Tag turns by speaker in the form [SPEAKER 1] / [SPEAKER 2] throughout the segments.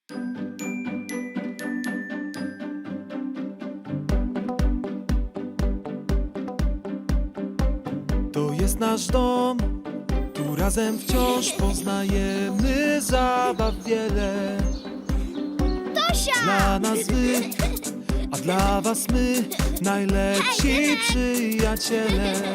[SPEAKER 1] To jest nasz dom, tu razem wciąż poznajemy zabaw wiele.
[SPEAKER 2] Tosia!
[SPEAKER 1] Dla nas wy, a dla was my, najlepsi przyjaciele.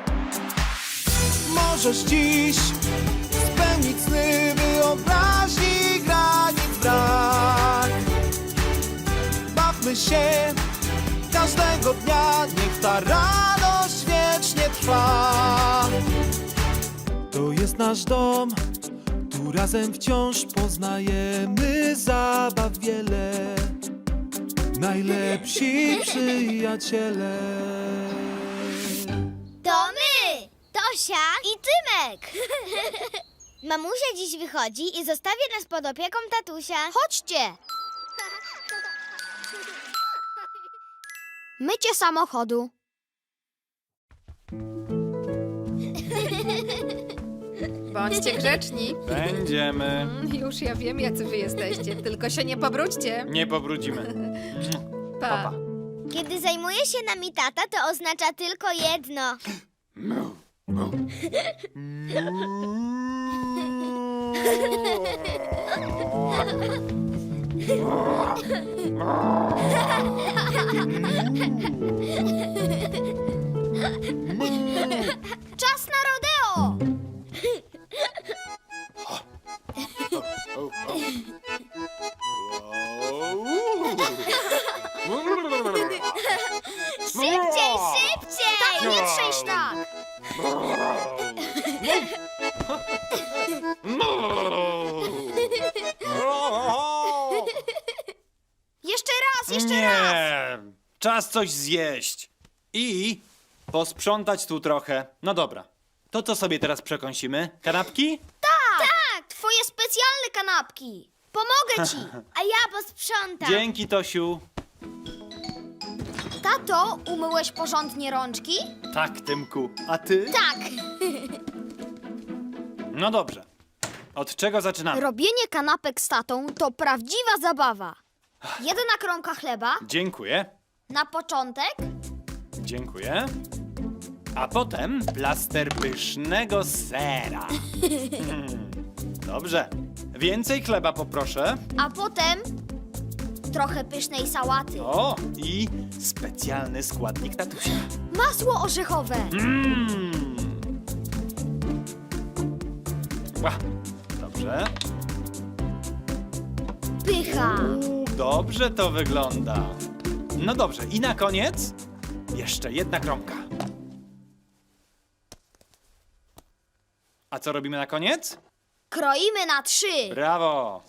[SPEAKER 1] Możesz dziś spełnić sny, wyobraźni granic brak. Bawmy się każdego dnia, niech ta radość wiecznie trwa. To jest nasz dom, tu razem wciąż poznajemy zabaw wiele. Najlepsi przyjaciele.
[SPEAKER 2] To my! Tosia i Tymek! Mamusia dziś wychodzi i zostawia nas pod opieką tatusia. Chodźcie! Mycie samochodu.
[SPEAKER 3] Bądźcie grzeczni.
[SPEAKER 4] Będziemy.
[SPEAKER 3] Już ja wiem, jacy wy jesteście. Tylko się nie pobrudźcie.
[SPEAKER 4] Nie pobrudzimy.
[SPEAKER 3] Pa.
[SPEAKER 2] Kiedy zajmuje się nami tata, to oznacza tylko jedno. Czas na rodeo! Szybciej, szybciej! Tak, nie trzęść tak! Jeszcze raz, jeszcze raz!
[SPEAKER 4] Nie! Czas coś zjeść. I posprzątać tu trochę. No dobra. To co sobie teraz przekąsimy? Kanapki?
[SPEAKER 2] Tak, twoje specjalne kanapki. Pomogę ci, a ja posprzątam.
[SPEAKER 4] Dzięki, Tosiu.
[SPEAKER 2] Tato, umyłeś porządnie rączki?
[SPEAKER 4] Tak, Tymku. A ty?
[SPEAKER 2] Tak.
[SPEAKER 4] No dobrze. Od czego zaczynamy?
[SPEAKER 2] Robienie kanapek z tatą to prawdziwa zabawa. Jedna kromka chleba
[SPEAKER 4] Dziękuję.
[SPEAKER 2] na początek.
[SPEAKER 4] Dziękuję. A potem plaster pysznego sera. Dobrze. Więcej chleba poproszę.
[SPEAKER 2] A potem trochę pysznej sałaty.
[SPEAKER 4] O, i specjalny składnik tatusia.
[SPEAKER 2] Masło orzechowe.
[SPEAKER 4] Dobrze.
[SPEAKER 2] Pycha.
[SPEAKER 4] Dobrze to wygląda. No dobrze, i na koniec jeszcze jedna kromka. A co robimy na koniec?
[SPEAKER 2] Kroimy na 3.
[SPEAKER 4] Brawo!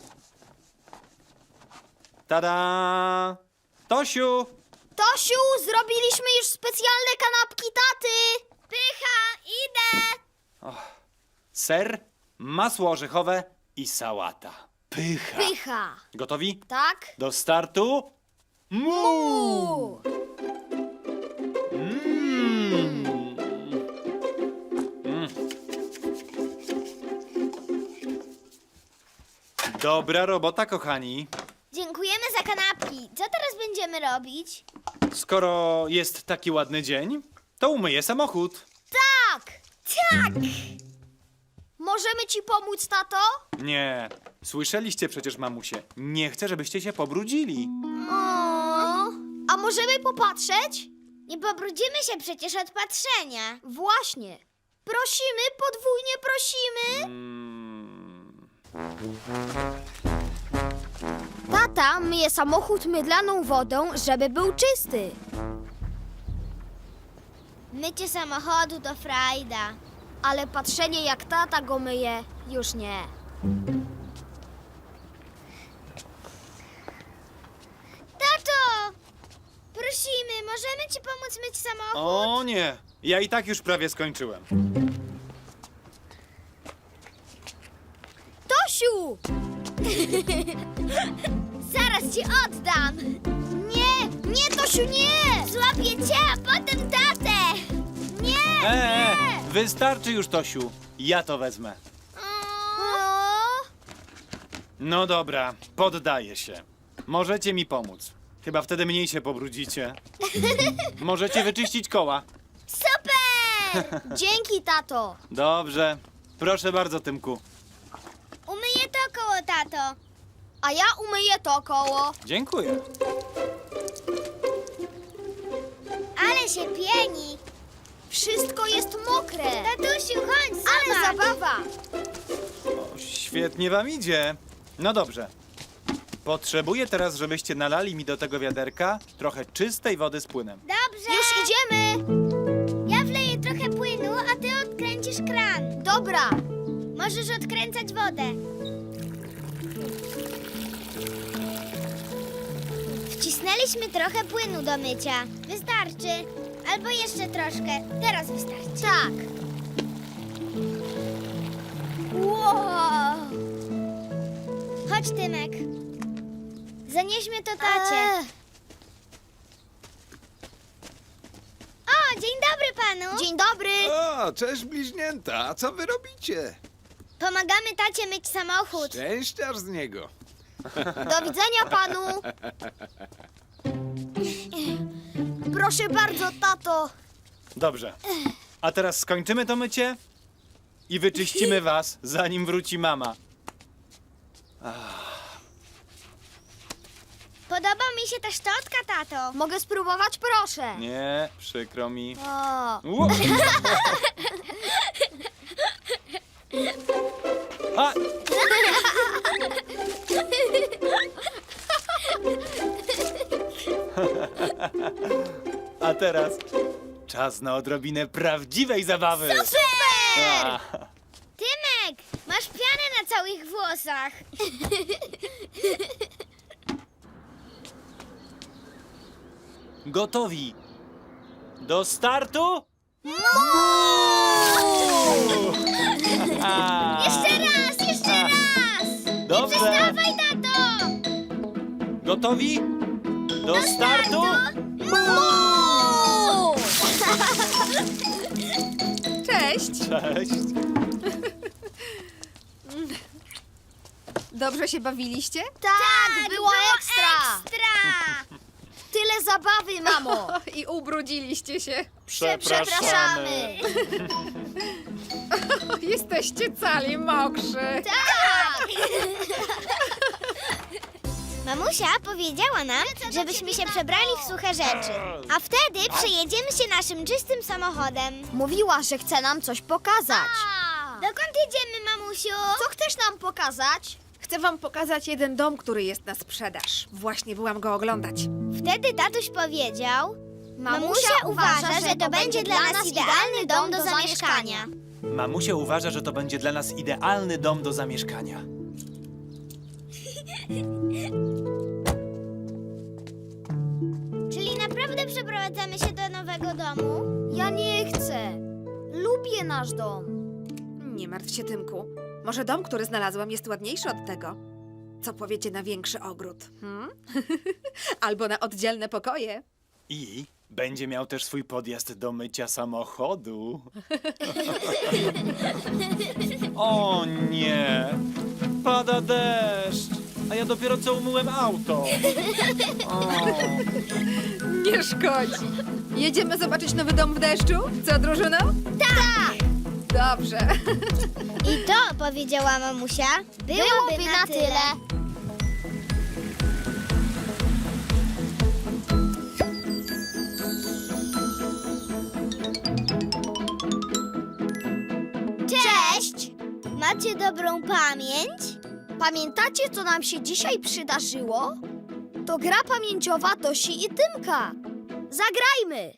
[SPEAKER 4] Tada! Tosiu!
[SPEAKER 2] Tosiu, zrobiliśmy już specjalne kanapki taty. Pycha, idę.
[SPEAKER 4] Ser, masło orzechowe i sałata. Pycha!
[SPEAKER 2] Pycha.
[SPEAKER 4] Gotowi?
[SPEAKER 2] Tak?
[SPEAKER 4] Do startu? Mu! Dobra robota, kochani.
[SPEAKER 2] Dziękujemy za kanapki. Co teraz będziemy robić?
[SPEAKER 4] Skoro jest taki ładny dzień, to umyję samochód.
[SPEAKER 2] Tak! Tak! Możemy ci pomóc, tato?
[SPEAKER 4] Nie, słyszeliście przecież, mamusie. Nie chcę, żebyście się pobrudzili.
[SPEAKER 2] A możemy popatrzeć? Nie pobrudzimy się przecież od patrzenia. Właśnie. Prosimy, podwójnie prosimy. Tata myje samochód mydlaną wodą, żeby był czysty. Mycie samochodu to frajda. Ale patrzenie, jak tata go myje, już nie. Tato! Prosimy, możemy ci pomóc myć samochód?
[SPEAKER 4] O nie, ja i tak już prawie skończyłem.
[SPEAKER 2] Tosiu! Zaraz ci oddam! Nie, nie, Tosiu, nie! Złapię cię, a potem tatę! Nie!
[SPEAKER 4] Wystarczy już, Tosiu. Ja to wezmę. No dobra, poddaję się. Możecie mi pomóc. Chyba wtedy mniej się pobrudzicie. Możecie wyczyścić koła.
[SPEAKER 2] Super! Dzięki, tato.
[SPEAKER 4] Dobrze. Proszę bardzo, Tymku.
[SPEAKER 2] Umyję to koło, tato. A ja umyję to koło.
[SPEAKER 4] Dziękuję.
[SPEAKER 2] Ale się pieni. Wszystko jest mokre. Tatusiu, chodź, zobacz. Ale zabawa.
[SPEAKER 4] O, świetnie wam idzie. No dobrze. Potrzebuję teraz, żebyście nalali mi do tego wiaderka trochę czystej wody z płynem.
[SPEAKER 2] Dobrze. Już idziemy. Ja wleję trochę płynu, a ty odkręcisz kran. Dobra. Możesz odkręcać wodę. Wcisnęliśmy trochę płynu do mycia. Wystarczy. Albo jeszcze troszkę. Teraz wystarczy. Tak. Wow. Chodź, Tymek. Zanieśmy to tacie. O, dzień dobry panu. Dzień dobry.
[SPEAKER 5] O, cześć bliźnięta, a co wy robicie?
[SPEAKER 2] Pomagamy tacie myć samochód.
[SPEAKER 5] Szczęściarz z niego.
[SPEAKER 2] Do widzenia panu. Proszę bardzo, tato.
[SPEAKER 4] Dobrze. A teraz skończymy to mycie i wyczyścimy was, zanim wróci mama.
[SPEAKER 2] Podoba mi się ta szczotka, tato. Mogę spróbować, proszę.
[SPEAKER 4] Nie, przykro mi.
[SPEAKER 2] O.
[SPEAKER 4] Ło- A! A teraz czas na odrobinę prawdziwej zabawy.
[SPEAKER 2] Super!
[SPEAKER 4] A,
[SPEAKER 2] Tymek, masz pianę na całych włosach.
[SPEAKER 4] gotowi. Do startu? A,
[SPEAKER 2] Jeszcze raz, jeszcze raz.
[SPEAKER 4] Dobrze.
[SPEAKER 2] Dawaj, tato.
[SPEAKER 4] Gotowi? Do startu?
[SPEAKER 3] Cześć!
[SPEAKER 4] Cześć.
[SPEAKER 3] Dobrze się bawiliście?
[SPEAKER 2] Tak, było ekstra. Tyle zabawy, mamo.
[SPEAKER 3] I ubrudziliście się.
[SPEAKER 4] Przepraszamy.
[SPEAKER 3] Jesteście cali mokrzy.
[SPEAKER 2] Tak. Mamusia powiedziała nam, żebyśmy się przebrali w suche rzeczy, a wtedy przejedziemy się naszym czystym samochodem. Mówiła, że chce nam coś pokazać. Dokąd jedziemy, mamusiu? Co chcesz nam pokazać?
[SPEAKER 3] Chcę wam pokazać jeden dom, który jest na sprzedaż. Właśnie byłam go oglądać.
[SPEAKER 2] Wtedy tatuś powiedział: Mamusia uważa, że to będzie dla nas idealny dom do zamieszkania.
[SPEAKER 4] Mamusia uważa, że to będzie dla nas idealny dom do zamieszkania.
[SPEAKER 2] Czyli naprawdę przeprowadzamy się do nowego domu? Ja nie chcę. Lubię nasz dom.
[SPEAKER 3] Nie martw się, Tymku. Może dom, który znalazłam, jest ładniejszy od tego. Co powiecie na większy ogród? Albo na oddzielne pokoje?
[SPEAKER 4] I będzie miał też swój podjazd do mycia samochodu. O nie! Pada deszcz! A ja dopiero co umyłem auto. O.
[SPEAKER 3] Nie szkodzi. Jedziemy zobaczyć nowy dom w deszczu? Co, drużyno?
[SPEAKER 2] Tak!
[SPEAKER 3] Dobrze.
[SPEAKER 2] I to, powiedziała mamusia, byłoby na tyle. Cześć! Macie dobrą pamięć? Pamiętacie, co nam się dzisiaj przydarzyło? To gra pamięciowa Tosi i Tymka. Zagrajmy!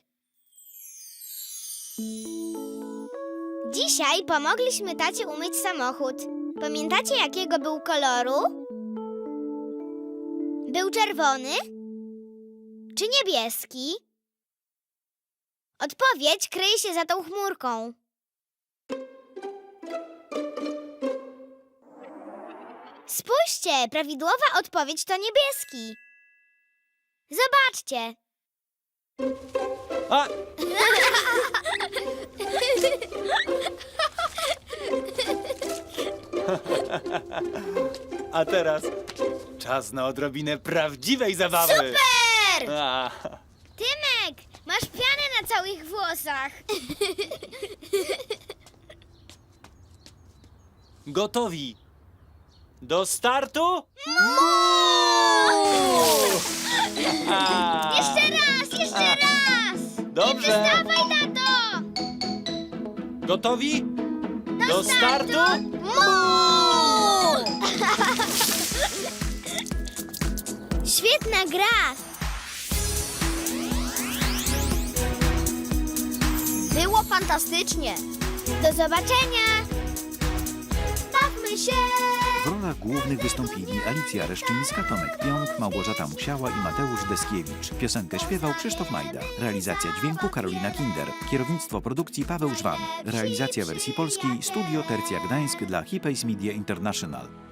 [SPEAKER 2] Dzisiaj pomogliśmy tacie umyć samochód. Pamiętacie, jakiego był koloru? Był czerwony? Czy niebieski? Odpowiedź kryje się za tą chmurką. Spójrzcie, prawidłowa odpowiedź to niebieski. Zobaczcie.
[SPEAKER 4] A! A teraz czas na odrobinę prawdziwej zabawy.
[SPEAKER 2] Super!
[SPEAKER 4] A,
[SPEAKER 2] Tymek, masz pianę na całych włosach.
[SPEAKER 4] gotowi. Do startu? A,
[SPEAKER 2] Jeszcze raz!
[SPEAKER 4] Dobrze.
[SPEAKER 2] Dawaj, tato!
[SPEAKER 4] Gotowi? Do startu?
[SPEAKER 2] Świetna gra! Było fantastycznie! Do zobaczenia! Bawmy się!
[SPEAKER 6] W rolach głównych wystąpili Alicja Reszczyńska, Tomek Pionk, Małgorzata Musiała i Mateusz Deskiewicz. Piosenkę śpiewał Krzysztof Majda. Realizacja dźwięku Karolina Kinder. Kierownictwo produkcji Paweł Żwan. Realizacja wersji polskiej Studio Tercja Gdańsk dla Hipays Media International.